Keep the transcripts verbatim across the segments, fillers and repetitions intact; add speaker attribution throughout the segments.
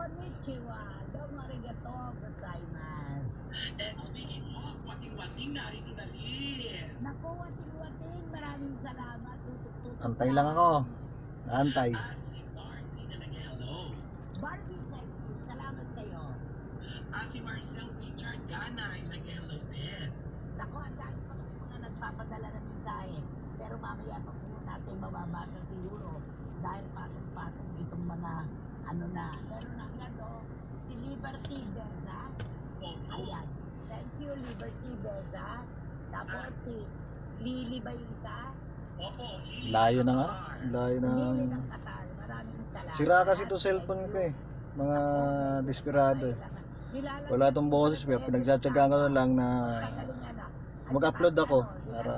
Speaker 1: Konnichiwa. Domo arigato gozaimasu.
Speaker 2: And speaking of wating-wating, narito na rin.
Speaker 1: Naku, wating-wating. Maraming salamat. Tutok-tutok.
Speaker 3: Antay lang ako. Antay.
Speaker 2: At si Barbie na nag-hello.
Speaker 1: Barbie, thank you. Salamat sa'yo.
Speaker 2: At si Marcel Richard Ganay nag-hello din.
Speaker 1: Naku, ang dahil pa kasi mga nagpapadala ng mensahe. Pero mamaya pa po natin mababasa siguro. Dahil pasong-pasong itong mga ano na. Pero nangado, si Liberty Beza.
Speaker 2: Opo.
Speaker 1: Ayan. Thank you, Liberty Beza. Tapos si Lily ba yung isa?
Speaker 2: Opo, Lily
Speaker 3: Layo na nga.
Speaker 2: Qatar.
Speaker 3: Layo na.
Speaker 1: Lily ng Qatar. Maraming salamat.
Speaker 3: Sira kasi to cellphone ko eh. Mga desperado eh.
Speaker 1: Nilalagyan
Speaker 3: Wala tong boses. Pero pinagtsatsagaan ko na lang na mag-upload ako para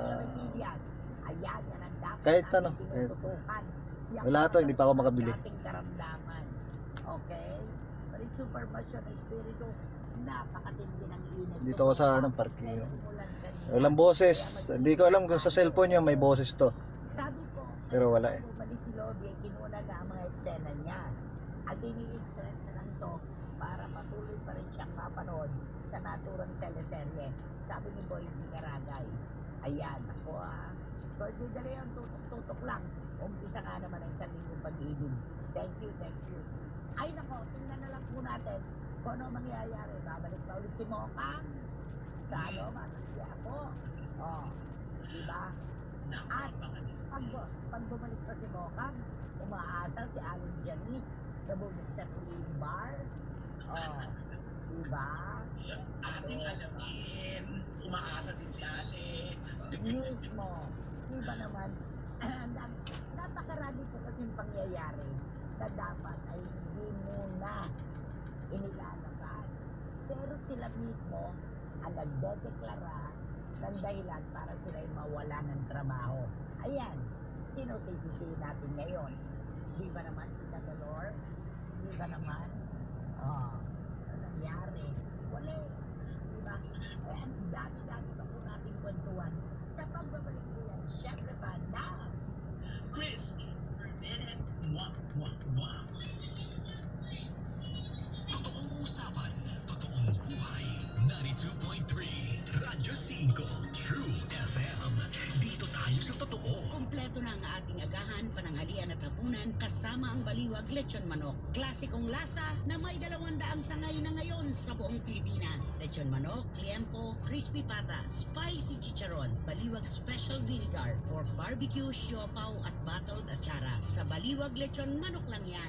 Speaker 1: Ayan, yan ang dapat
Speaker 3: kahit
Speaker 1: natin
Speaker 3: ano, kahit-
Speaker 1: tinututukan. Yan
Speaker 3: wala to,
Speaker 1: ang
Speaker 3: hindi pa ako makabili.
Speaker 1: ating karamdaman. Okay? Pero yung supervision ng espiritu, napakatindi ng init.
Speaker 3: dito ko sa anong parking.
Speaker 1: Umulan kanina.
Speaker 3: Walang boses. Hindi ko alam kung sa cellphone niya may boses to.
Speaker 1: Sabi ko,
Speaker 3: Pero wala eh.
Speaker 1: bumalik si Lobby, kinuna na ang mga eksena niya. At ini-stress na lang to para patuloy pa rin siyang mapanood sa naturang teleserye. Sabi ni Boy Garagay. Ayan, ako ah. So, hindi dali ang tutok-tutok lang. Umpisa nga naman ang isang linggong pag-ibig. Thank you, thank you. Ay nako, tingnan na lang po natin kung ano mangyayari. Babalik pa ulit si Mokang. Sa ano, matanggi ako. Oh, diba?
Speaker 2: Naku,
Speaker 1: At
Speaker 2: abangan niyo.
Speaker 1: pag, pag bumalik pa si Mokang, umaasal si Alan Janice na bumuksan uli yung bar. Oh, diba?
Speaker 2: Ating alamin, umaasa din si Ale.
Speaker 1: News mo. Diba naman? Napakarami po kasing pangyayari na dapat ay hindi muna inilalabas. Pero sila mismo ang nagdedeklara ng dahilan para sila ay mawala ng trabaho. Ayan, sino sisisihin natin ngayon? Di ba naman si Tagalor? Di ba naman? Oh, ano nangyari? Wala. Di ba? Eh, ang dami-dami pa po natin kwentuhan sa pagbabalik ko yan. Siyempre pa na
Speaker 2: Christy, per minute, mwah, mwah, mwah.
Speaker 4: Totoong usapan, totoong buhay. ninety-two point three Radyo cinco True F M. Dito tayo sa totoo.
Speaker 5: Kompleto na ang ating agahan, pananghalian at hapunan kasama ang baliwag lechon manok. Klasikong lasa na may dalawang daang sangay na ngayon sa buong Pilipinas. Lechon manok, liempo, crispy pata, spicy chicharon, baliwag special vinegar, pork barbecue, siopaw at battled atsara. Sa baliwag lechon manok lang yan.